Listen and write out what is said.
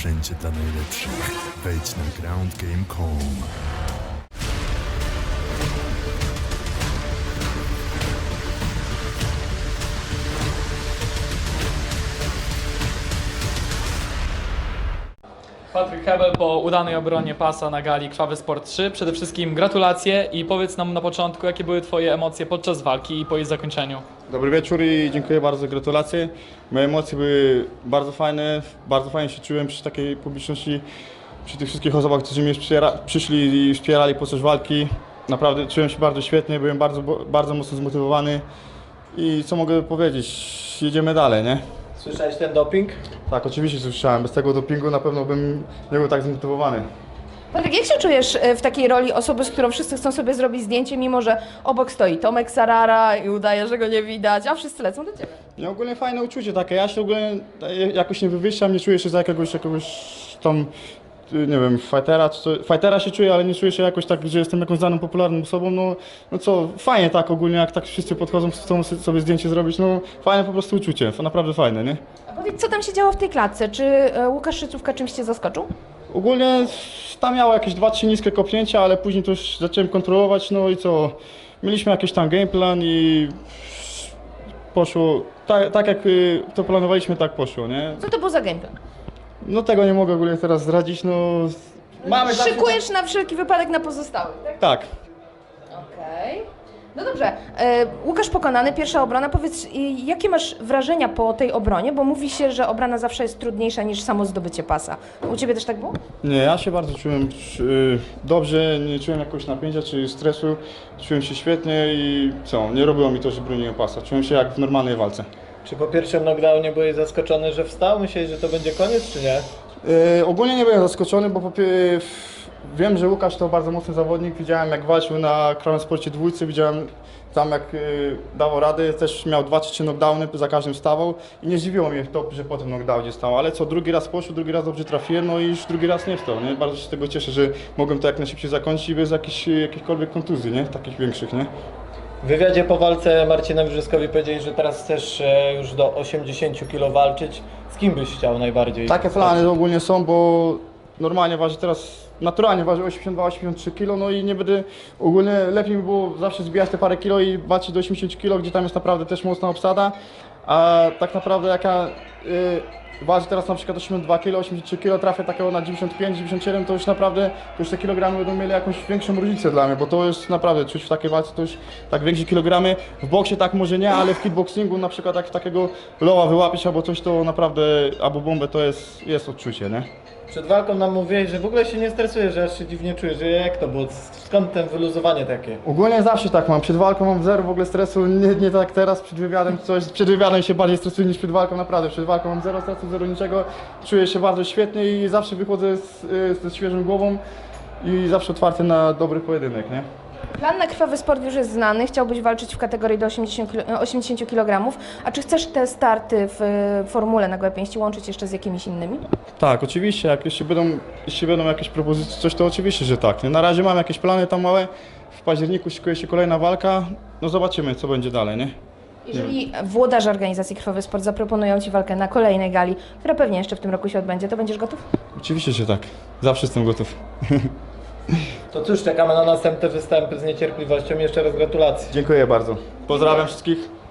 wszędzie dla najlepszych. Wejdź na groundgame.com. Patryk Hebel po udanej obronie pasa na gali Krwawy Sport 3. Przede wszystkim gratulacje i powiedz nam na początku, jakie były Twoje emocje podczas walki i po jej zakończeniu. Dobry wieczór i dziękuję bardzo za gratulacje. Moje emocje były bardzo fajnie się czułem przy takiej publiczności, przy tych wszystkich osobach, którzy mnie przyszli i wspierali podczas walki. Naprawdę czułem się bardzo świetnie, byłem bardzo mocno zmotywowany i co mogę powiedzieć, jedziemy dalej, nie? Słyszałeś ten doping? Tak, oczywiście słyszałem, bez tego dopingu na pewno bym nie był tak zmotywowany. Patryk, jak się czujesz w takiej roli osoby, z którą wszyscy chcą sobie zrobić zdjęcie, mimo że obok stoi Tomek Sarara i udaje, że go nie widać, a wszyscy lecą do Ciebie? No ogólnie fajne uczucie takie, ja się ogólnie jakoś nie wywyższam, nie czuję się za jakiegoś tam, nie wiem, fightera się czuję, ale nie czuję się jakoś tak, że jestem jakąś znaną, popularną osobą, no co, fajnie tak ogólnie, jak tak wszyscy podchodzą, chcą sobie zdjęcie zrobić, no fajne po prostu uczucie, naprawdę fajne, nie? A powiedz, co tam się działo w tej klatce? Czy Łukasz Szycówka czymś Cię zaskoczył? Ogólnie tam miało jakieś 2-3 niskie kopnięcia, ale później to już zacząłem kontrolować, no i co, mieliśmy jakiś tam gameplan i poszło, tak jak to planowaliśmy, tak poszło, nie? Co to był za gameplan? No tego nie mogę ogólnie teraz zdradzić, no... Szykujesz na wszelki wypadek na pozostałych, tak? Tak. Okej. No dobrze, Łukasz pokonany, pierwsza obrona. Powiedz, jakie masz wrażenia po tej obronie? Bo mówi się, że obrona zawsze jest trudniejsza niż samo zdobycie pasa. U Ciebie też tak było? Nie, ja się bardzo czułem dobrze, nie czułem jakiegoś napięcia czy stresu, czułem się świetnie i co, nie robiło mi to, że broniłem pasa, czułem się jak w normalnej walce. Czy po pierwszym knockdownie byłeś zaskoczony, że wstał? Myślałeś, że to będzie koniec, czy nie? Ogólnie nie byłem zaskoczony, bo wiem, że Łukasz to bardzo mocny zawodnik, widziałem jak walczył na Krwawym Sporcie 2, widziałem tam jak dawał rady, też miał 2 czy 3 knockdowny, za każdym wstawał i nie zdziwiło mnie to, że po tym knockdownie stał, ale co, drugi raz poszło, drugi raz dobrze trafiłem, no i już drugi raz nie wstał, nie? Bardzo się z tego cieszę, że mogłem to jak najszybciej zakończyć i bez jakichkolwiek kontuzji, nie? Takich większych, nie? W wywiadzie po walce Marcinowi Brzyskowi powiedzieli, że teraz chcesz już do 80 kg walczyć. Z kim byś chciał najbardziej? Takie plany ogólnie są, bo normalnie waży teraz, naturalnie waży 82-83 kg, no i nie będę, ogólnie lepiej by było zawsze zbijać te parę kilo i walczyć do 80 kg, gdzie tam jest naprawdę też mocna obsada, a tak naprawdę jaka waży teraz na przykład 82 kg, 83 kg, trafię takiego na 95-97, to już naprawdę, to już te kilogramy będą mieli jakąś większą różnicę dla mnie, bo to jest naprawdę, czuć w takiej walce to już tak większe kilogramy, w boksie tak może nie, ale w kickboxingu na przykład jak takiego loła wyłapić albo coś, to naprawdę, albo bombę, to jest odczucie, nie? Przed walką nam mówiłeś, że w ogóle się nie stresujesz, że aż się dziwnie czujesz, że jak to było? Skąd ten wyluzowanie takie? Ogólnie zawsze tak mam, przed walką mam zero w ogóle stresu, nie tak teraz, przed wywiadem coś, przed wywiadem się bardziej stresuję niż przed walką, naprawdę, przed walką mam zero stresu, zero niczego, czuję się bardzo świetnie i zawsze wychodzę ze świeżą głową i zawsze otwarty na dobry pojedynek, nie? Plan na Krwawy Sport już jest znany, chciałbyś walczyć w kategorii do 80 kg, a czy chcesz te starty w formule na gołe pięści łączyć jeszcze z jakimiś innymi? Tak, oczywiście, jak jeśli będą jakieś propozycje, coś, to oczywiście, że tak. Na razie mam jakieś plany tam małe, w październiku szykuje się kolejna walka, no zobaczymy, co będzie dalej, nie? Jeżeli włodarze organizacji Krwawy Sport zaproponują Ci walkę na kolejnej gali, która pewnie jeszcze w tym roku się odbędzie, to będziesz gotów? Oczywiście, że tak, zawsze jestem gotów. To cóż, czekamy na następne występy z niecierpliwością. Jeszcze raz gratulacje. Dziękuję bardzo, pozdrawiam wszystkich.